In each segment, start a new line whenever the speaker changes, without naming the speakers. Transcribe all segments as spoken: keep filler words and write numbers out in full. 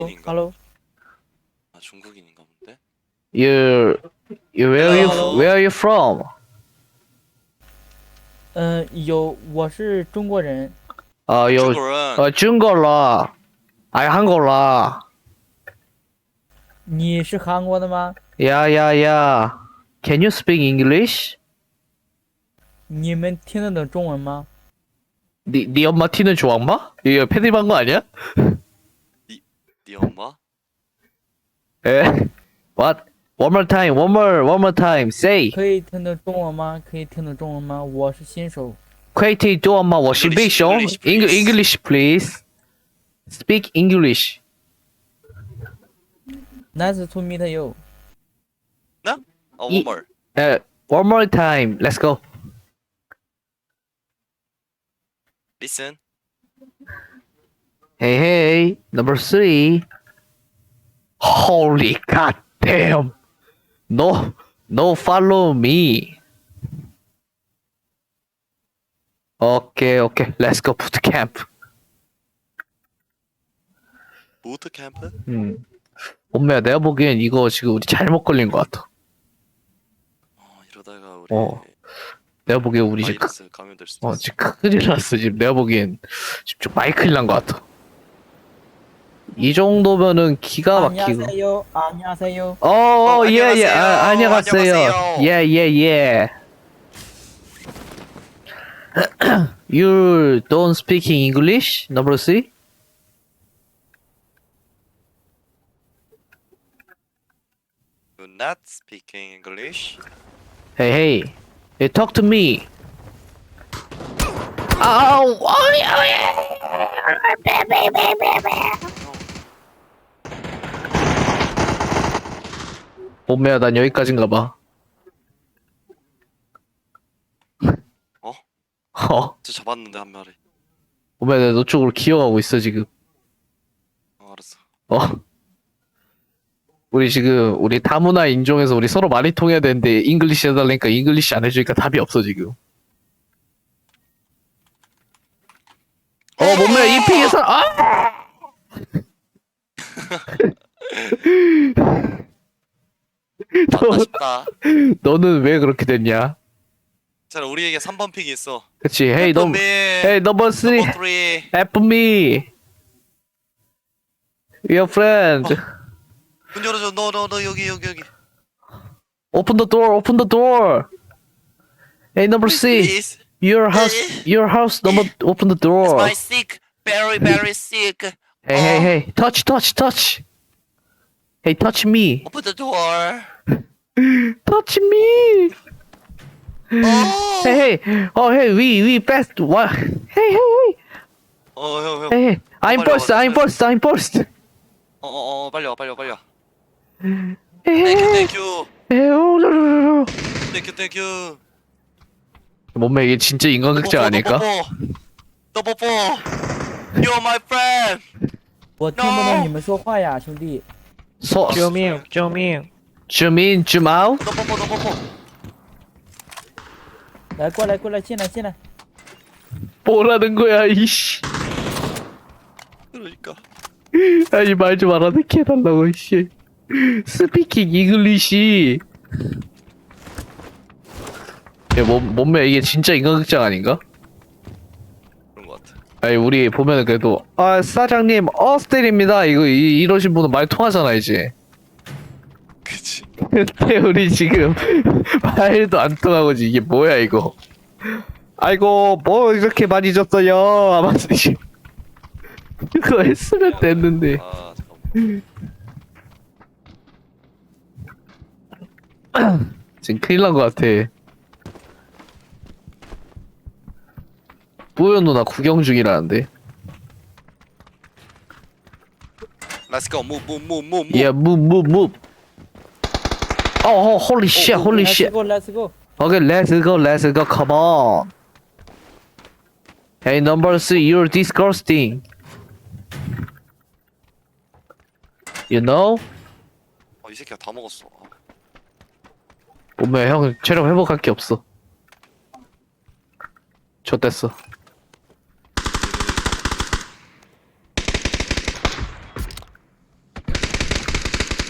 인가?
Hello.
아 중국인인가 본데?
You, you where are you
Hello.
where are you from?
嗯、有，我是中国人。
어, 요,
中国人。
어, 중국어. 아니, 한국어.
你是韩国的吗？
Yeah, yeah, yeah. Can you speak English?
你们听得懂中文吗？
네, 네 엄마 티는 좋아마? 이거 패드립한 거 아니야?
네 엄마?
에? What? One more time, one more, one more time. Say.
可以听懂中文吗？可以听懂中文吗？我是新手。
퀘이티 또 엄마 워시
English,
빅쇼?
English, please.
English, please. Speak English.
Nice to meet you.
나? 어
이-
one more.
에, one more time. Let's go.
Listen.
Hey, hey. Number three. Holy goddamn. No, no, follow me. Okay, okay. Let's go boot camp.
부트 캠프?
음. 엄마야, 내가 보기엔 이거 지금 우리 잘못 걸린 것 같아.
어 이러다가 우리
어. 내가 보기엔 우리 지금 크,
바이러스 감염될 수도
어,
있어.
지금 큰일 났어. 지금 내가 보기엔 지금 좀 많이 큰일 난 것 같아. 이 정도면은 기가 막히고.
안녕하세요. 안녕하세요.
어,
어,
어, 예, 예.
안녕하세요.
아, 안녕하세요.
안녕하세요.
예, 예, 예. You don't speak English? Number three?
You're not speaking English?
Hey, hey. Hey, talk to me. Oh, oh, 몸매야, 난 여기까지인가 봐.
어?
어?
저 잡았는데 한 마리.
몸매야, 내가 너 쪽으로 기어가고 있어, 지금.
어 알았어.
어? 우리 지금, 우리 다문화 인종에서 우리 서로 많이 통해야 되는데, 잉글리시 해달라니까 잉글리시 안 해주니까 답이 없어, 지금. 어, 몸매야, 이 픽에서, 아!
맞다 싶다.
너는 왜 그렇게 됐냐?
자 우리에게 삼 번 픽이 있어.
그치, 헤이, 넘,
헤이
헤이, 넘버 쓰리,
넘버 쓰리.
help me. Your friend.
문 열어줘. 너 너 너 여기 여기 여기.
Open the door, open the door. Hey, number C.
Please.
Your house, your house, number, open the
It's
door.
my sick. Very very sick.
Hey, hey, hey, touch, touch, touch. Hey, touch me.
Open the door.
Touch me.
어.
Hey, hey, oh, hey, we, we best. What? Hey, hey, hey,
어형 형.
hey, hey. I'm
빨리
first,
와봐,
I'm first, I'm first.
어어어 빨리 와 빨리 와 빨리 와.
Hey,
땡큐
hey,
땡큐.
hey, oh, no, no, no, no.
땡큐 땡큐.
몸매 이게 진짜 인간극장 아닐까?
너 뽀뽀. You're my friend.
我听不懂你们说话呀，兄弟。
소,
救命！救命！
zoom in, zoom out.
너 뽀뽀 너 뽀뽀.
来，过来，过来，进来，进来。
뭐라는 거야, 이씨.
그러니까.
아니, 말 좀 알아듣게 해달라고, 이씨. 스피킹 잉글리시. 야, 몸, 몸매 이게 진짜 인간극장 아닌가?
그런 것 같아.
아니, 우리 보면은 그래도, 아, 사장님, 어스텔입니다. 이거, 이, 이러신 분은 말 통하잖아, 이제.
그치.
근데 우리 지금 말도 안 통하고 이게 뭐야, 이거. 아이고, 뭐 이렇게 많이 줬어요. 아마도 지금. 그거 했으면 됐는데.
아 잠깐만.
지금 큰일 난 것 같아. 뿌연 누나 구경 중이라는데.
Let's go. Move move move move move.
Yeah, move, move, move. Oh, oh, holy shit, holy
Let's
shit.
go, let's go.
Okay, let's go, let's go, come on. Hey, number three, you're disgusting. You know?
어, 이 새끼가 다 먹었어. 아,
몸매 형 체력 회복할 게 없어. 좆됐어.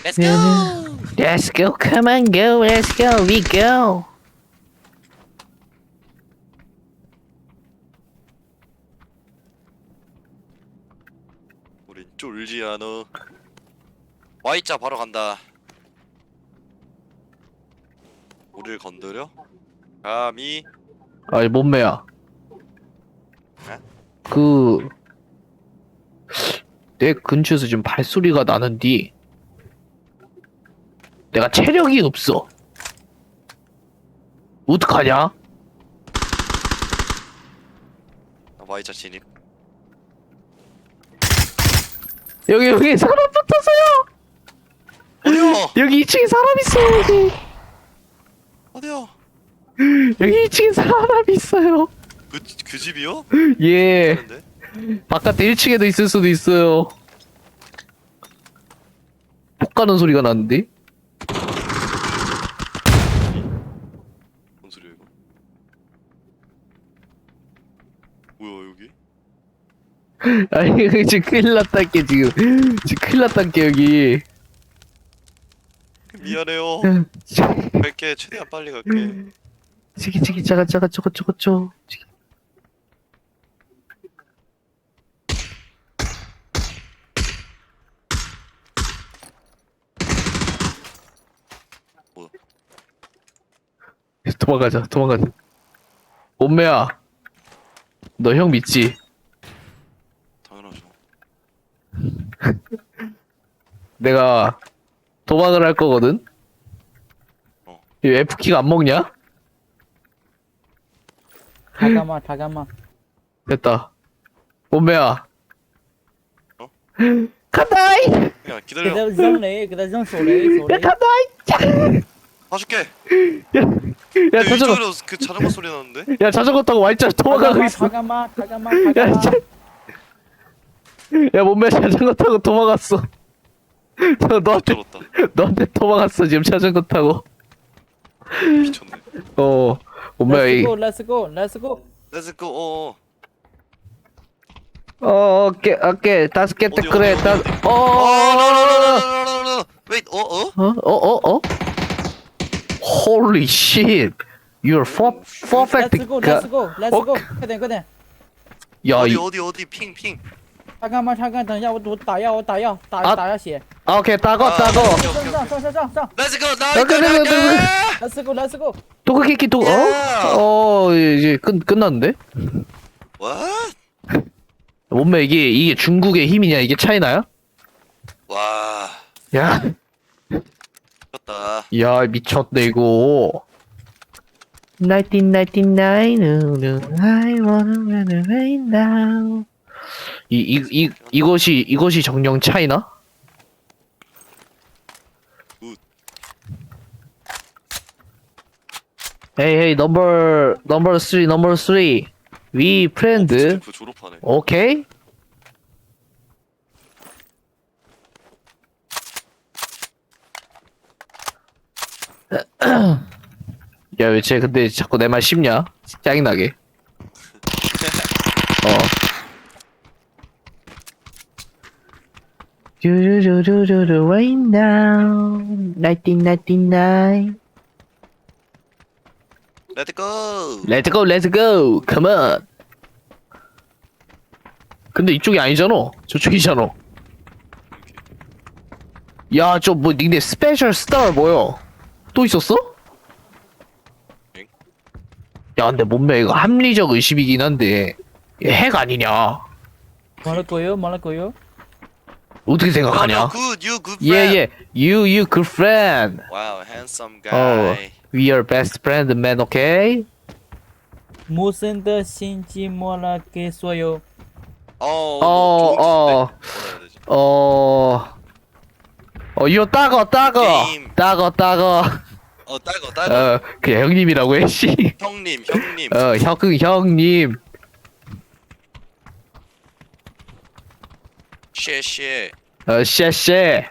Let's go.
Let's go, come on, go, let's go, we go.
우린 쫄지 않아. Y자 바로 간다. 우리를 건드려? 감히?
아니, 몸매야.
에?
그, 내 근처에서 지금 발소리가 나는디. 내가 체력이 없어. 어떡하냐?
나 Y자 진입.
여기, 여기 사람 붙었어요!
어디요?
여기 이 층에 사람 있어요, 여기.
어디요?
여기 이 층에 사람 있어요.
그, 그 집이요?
예.
하는데?
바깥에 일 층에도 있을 수도 있어요. 폭 가는 소리가 나는데?
뭔 소리야 이거? 뭐야 여기?
아니, 여기 지금 큰일 났다께, 지금. 지금 큰일 났다께, 여기.
미안해요. 갈게. 최대한 빨리 갈게.
지기, 지기, 자가, 자가, 저거, 저거, 저거. 지기.
뭐야?
도망가자, 도망가자. 몸매야. 너 형 믿지?
당연하죠.
내가 도망을 할 거거든?
어.
이 F키가 안 먹냐?
잠깐만 잠깐만.
됐다. 몸매야.
어?
간다이!
야
给
기다려.
他扔雷，给他扔手雷，手
야,
雷。
간다이!
봐줄게.
야, 야,
야,
자전거,
이쪽으로 그 자전거 소리 나는데?
야, 자전거 타고 Y자 도망가고 있어.
잠깐만 잠깐만
야,
잠깐만.
자, 야, 몸매 자전거 타고 도망갔어. 너, 너한테,
쩔었다.
너한테 도망갔어, 지금 자전거 타고.
미쳤네.
어, 몸매야,
Let's
이.
go, let's go, let's go.
Let's go. 어. 어.
어, 오케이, 오케이, 다섯 개 때,
어디,
그래,
어디,
다,
어디,
어,
어,
어,
노노노노노노노. Wait. 어 어?
어, 어, 어, 어? Holy shit. You're for, perfect.
Let's go, let's go, let's go. 快点快点。
야,
어디
이,
어디 어디 핑 핑.
잠깐만 잠깐，等一下，我我打药，我打药，打
啊
打下血。
아, 오케이, 따고,
아,
따고.
오케이,
上
오케이,
上
오케이.
上上上上
Let's go. 나
나, 나, 나, 나, 나, 나.
，let's go, let's go。
도그키키, 도,
Yeah.
어? 어, 이제 끝, 끝났는데?
What?
몸매, 이게, 이게 중국의 힘이냐? 이게 차이나야?
와.
야,
미쳤다.
야, 미쳤네, 이거. 천구백구십구, I wanna run away now. 이, 이, 이, 이것이, 이것이 정령 차이나?
굿.
Hey, hey, number, number three, number three. We friend.
스태프 졸업하네.
오케이? 야, 왜 쟤 근데 자꾸 내 말 씹냐? 짜증나게. 어. 뚜루루루루루 right now. 천구백구십구.
Let's go.
Let's go, let's go. Come on. 근데 이쪽이 아니잖아. 저쪽이잖아. 야, 저 뭐 닉네임 스페셜 스타 뭐야? 또 있었어?
응?
야, 근데 몸매 이거 합리적 의심이긴 한데 얘 핵 아니냐?
完了狗油，完了狗油。
어떻게
No, no,
생각하냐?
good. You good
예,
friend.
예. You, you good friend.
Wow, handsome
어,
guy.
we are best friend, man. Okay?
无声的心寂寞了，给所有。
어,
어,
어, 어.
어. 어, 어, 이거 따거, 따거,
게임.
따거, 따거.
어, 딸거, 딸거.
어, 그냥 형님이라고 해, 씨.
형님, 형님.
어, 형, 형님.
쉐쉐.
어, 쎄쎄.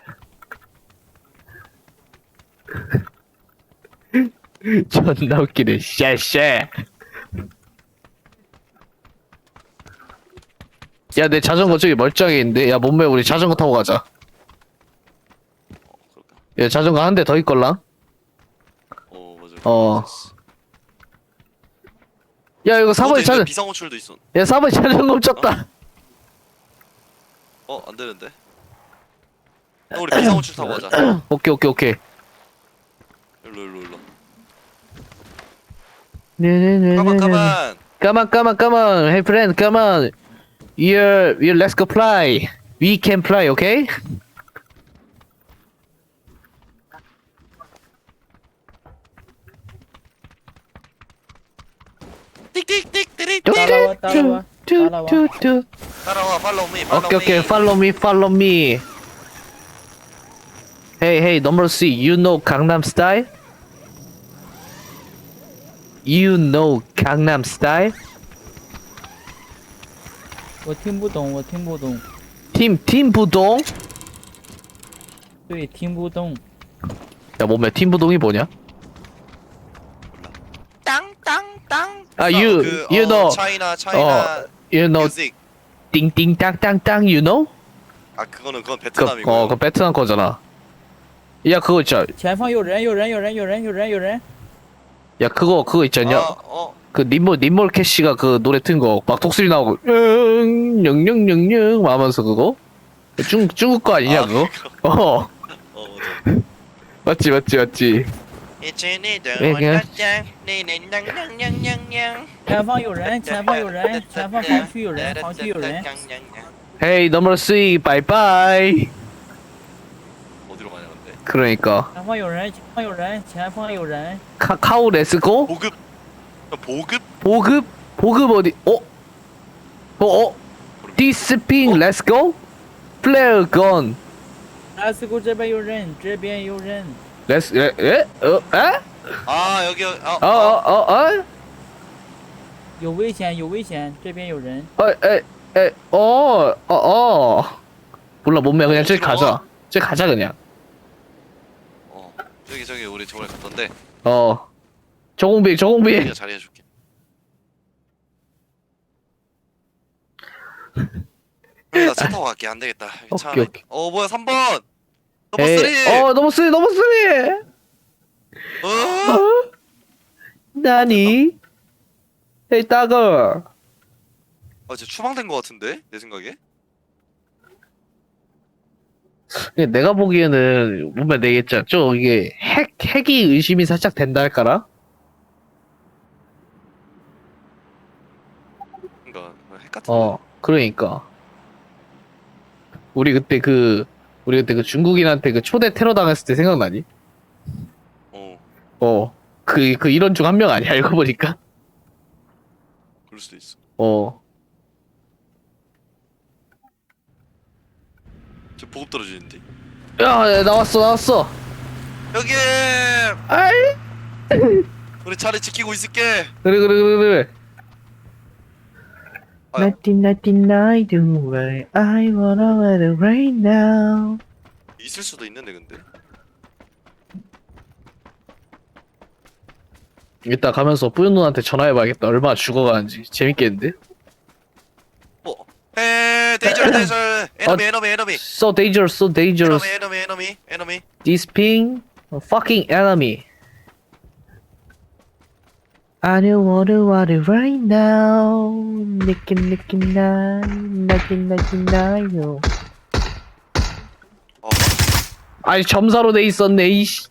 존나 웃기네, 쎄쎄. 야, 내 자전거 저기 멀쩡해 있는데? 야, 몸매 우리 자전거 타고 가자.
어,
야, 자전거 한 대 더 있걸랑?
어 맞아.
어. 야, 이거 사 번에 자전,
비상호출도 있어.
야, 사 번에 자전거 훔쳤다.
어 안되는데. 형 우리 비상호출 타고 가자.
오케이, 오케이, 오케이.
일로 일로 일로.
네네네네.
가만 가만.
Come on, come on, come on. Hey, friend, come on. You're, you let's go fly. We can fly, okay?
띡띡띡
따라와, 따라와, 따라와.
뚜뚜뚜.
따라와 follow me follow
오케이, 오케이.
me.
Follow me, follow me. Hey, hey, number C. You know Gangnam Style? You know Gangnam Style?
我听不懂，我听不懂，
팀, 팀 부동?
对，听不懂。
야, 몸에 팀 부동이 뭐냐?
땅땅땅.
아, you,
그,
you
어,
know.
차이나 차이나
어, you know,
뮤직.
띵띵땅땅땅, you know?
아 그거는 그건
그,
베트남이고.
어, 그 베트남 거잖아. 야, 그거 있잖아.
前方有人，有人，有人，有人，有人，有人。
야, 그거, 그거 있잖냐?
아, 어.
그 님몰, 님몰 캐시가 그 노래 튼 거, 막 독수리 나오고, 응, 영영영영, 하면서 그거? 중, 중국 거 아니냐,
아,
그거?
그거.
어,
어 맞아.
맞지, 맞지, 맞지. 왜 그냥-
前方有人，前方有人，前方防区有人，防区有人。
헤이, 넘버 쓰리, 바이바이.
어디로 가냐 근데?
그러니까.
前方有人，前方有人，前方有人。
카카오 렛츠고?
보급. 야, 보급?
보급? 보급 어디, 어? 어, 어? 디스핑, 렛츠고? 플레어 건.
Let's go，这边有人，这边有人。
렛츠, 에, 에? 어, 에?
아 여기 어,
어, 어, 어, 어?
有危险，有危险，这边有人。
어, 에, 에, 어, 어, 어. 몰라, 몸매 그냥 저기 가자. 저기 가자, 그냥.
어 저기 저기 우리 저번에 갔던데.
어. 저공비, 저공비.
내가 자리해줄게. 그래 나차 타고 갈게 안 되겠다. 여기 차
오케이,
안에-
오케이.
어 뭐야 삼 번. 넘버
에이,
쓰리.
어, 넘버 쓰리, 넘버 쓰리.
어?
어? 나니? 에이, 따거.
아 진짜 추방된 거 같은데 내 생각에.
내가 보기에는 몸매 내겠죠. 좀 이게 핵, 핵이 의심이 살짝 된다 할까라?
그러니까 핵 같은데.
어, 그러니까. 우리 그때 그, 우리 그때 그 중국인한테 그 초대 테러 당했을 때 생각나니?
어
어. 그, 그 이런 중 한 명 아니야, 알고 보니까?
그럴 수도 있어.
어.
저 보급 떨어지는데.
야, 야, 나왔어, 나왔어.
여기
아이!
우리 자리 지키고 있을게.
그래, 그래, 그래, 그래.
아유.
Nothing, nothing I do right. I wanna let it rain now.
있을 수도 있는데 근데.
이따 가면서 뿌연 누나한테 전화해봐야겠다. 얼마나 죽어가는지. 재밌겠는데?
어. 에 데이저 데이저. 에너미
어.
에너미 에너미.
So dangerous, so dangerous.
에너미 에너미 에너미 에너미.
This ping, a fucking enemy. I don't wanna want it right now. Nicky, nicky, nine, nicky, nicky, nine.
어.
아니 점사로 돼 있었네 이씨.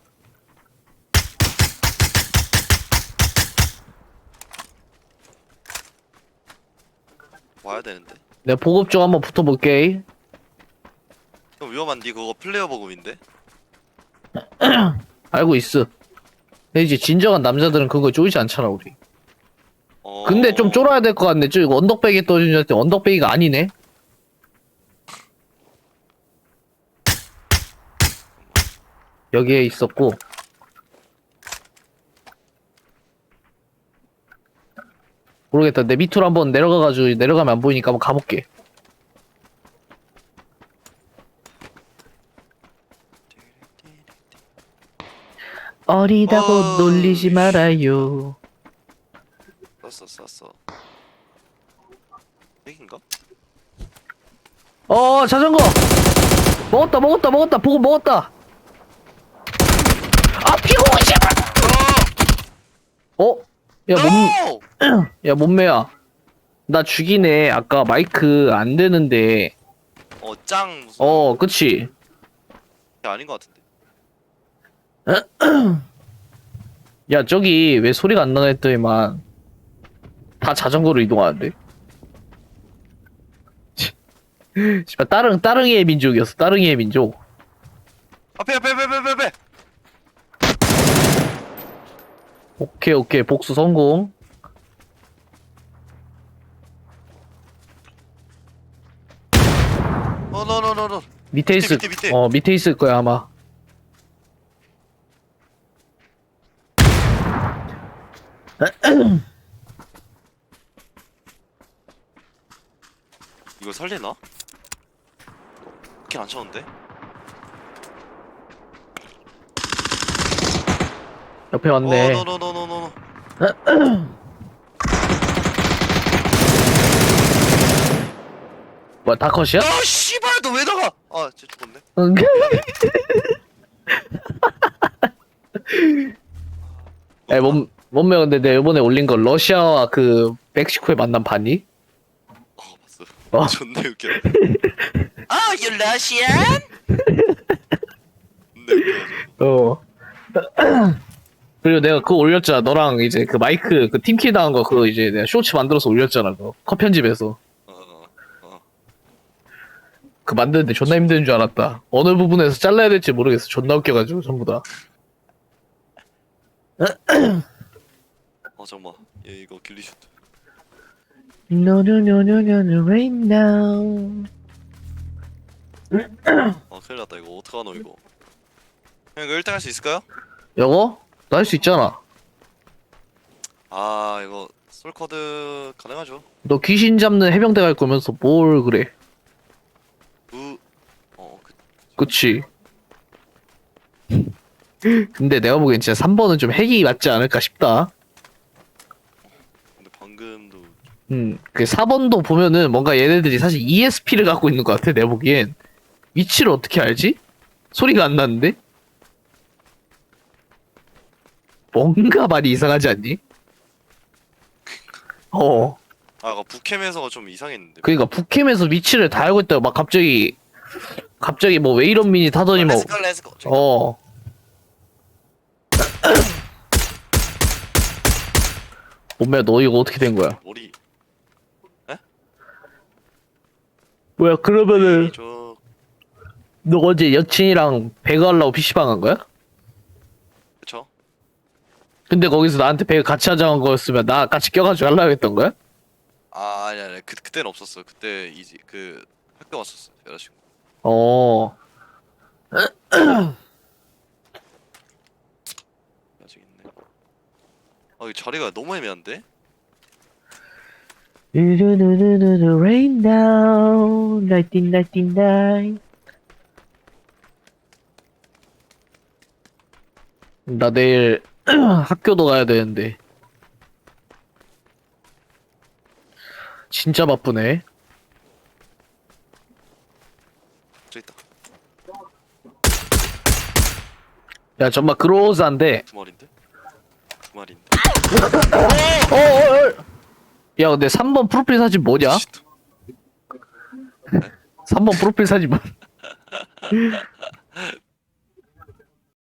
와야 되는데.
내가 보급 좀 한번 붙어볼게.
형 위험한데 그거 플레이어 보급인데.
알고 있어. 근데 이제 진정한 남자들은 그거 쪼이지 않잖아 우리.
어.
근데 좀 쫄아야 될 것 같네. 저 이거 언덕배기 떠주는 줄 알았더니 언덕배기가 아니네. 여기에 있었고. 모르겠다. 내 밑으로 한번 내려가가지고 내려가면 안 보이니까 한번 가볼게. 어리다고
어,
놀리지 말아요.
썼어 썼어. 핵인가?
어 자전거 먹었다 먹었다 먹었다 보고 먹었다. 어? 야, 몸,
No!
야, 몸매야. 나 죽이네. 아까 마이크 안 되는데.
어, 짱 무슨
어, 그치?
게 아닌 것 같은데.
야, 저기 왜 소리가 안 나나 했더니만 다 자전거로 이동하는데? 씨발, 따릉, 따릉이의 민족이었어. 따릉이의 민족.
앞에 앞에 앞에 앞에 앞에.
오케이, 오케이. 복수 성공.
어, 노노노노.
밑에
밑에,
있을,
밑에, 밑에.
어, 밑에 있을 거야, 아마.
이거 살리나? 그렇게 안 쳤는데?
옆에 왔네.
어, 노노노노노노.
뭐야, 다 컷이야?
아, 씨발, 너 왜 나가? 아, 쟤 죽었네.
응. 에, 몸, 몸매 근데 내가 이번에 올린 거 러시아와 그 멕시코의 만남 봤니?
어, 봤어.
어.
존나 웃겨. 아, you Russian? 존나 웃겨.
어. 그리고 내가 그거 올렸잖아. 너랑 이제 그 마이크 그 팀킬 당한 거 그거 이제 내가 쇼츠 만들어서 올렸잖아. 그거 컷 편집해서.
어, 어, 어.
그 만드는데 존나 힘든 줄 알았다. 어느 부분에서 잘라야 될지 모르겠어. 존나 웃겨가지고 전부 다.
어, 잠깐만. 얘 이거 길리슈트.
No no no no no no right now.
아, 큰일 났다. 이거 어떡하노, 이거. 형, 이거 일 등 할 수 있을까요?
여거? 나 할 수 있잖아.
아, 이거 솔커드 가능하죠.
너 귀신 잡는 해병대 갈 거면서 뭘 그래?
우, 어, 그,
그치? 근데 내가 보기엔 진짜 삼 번은 좀 핵이 맞지 않을까 싶다.
근데 방금도
음, 그 사 번도 보면은 뭔가 얘네들이 사실 이에스피를 갖고 있는 것 같아, 내가 보기엔. 위치를 어떻게 알지? 소리가 안 나는데? 뭔가 많이 이상하지 않니? 어.
아, 아까 북캠에서가 좀 이상했는데.
그니까 북캠에서 위치를 다 알고 있다가 막 갑자기, 갑자기 뭐 왜 이런 미니 타더니 뭐,
렛츠고 렛츠고.
어. 몸매야, 너 이거 어떻게 된 거야?
머리
뭐야, 그러면은,
저
너 어제 여친이랑 배그 하려고 피시방 간 거야?
그쵸?
근데 거기서 나한테 배그 같이 하자는 거였으면 나 같이 껴가지고 하려고 했던 거야?
아, 아니 아니 그 그때는 없었어. 그때 이제 그 학교 왔었어 여자친구.
어.
아직 있네. 아, 이 자리가 너무 애매한데?
루루루루루 rain down 나이틴 나이틴 나이 나 내일 학교도 가야 되는데 진짜 바쁘네.
저 있다.
야 정말 그로즈한데.
두 마리인데? 두 마리인데.
어어어. 야 근데 삼 번 프로필 사진 뭐냐?
씨,
삼 번 프로필 사진 뭐?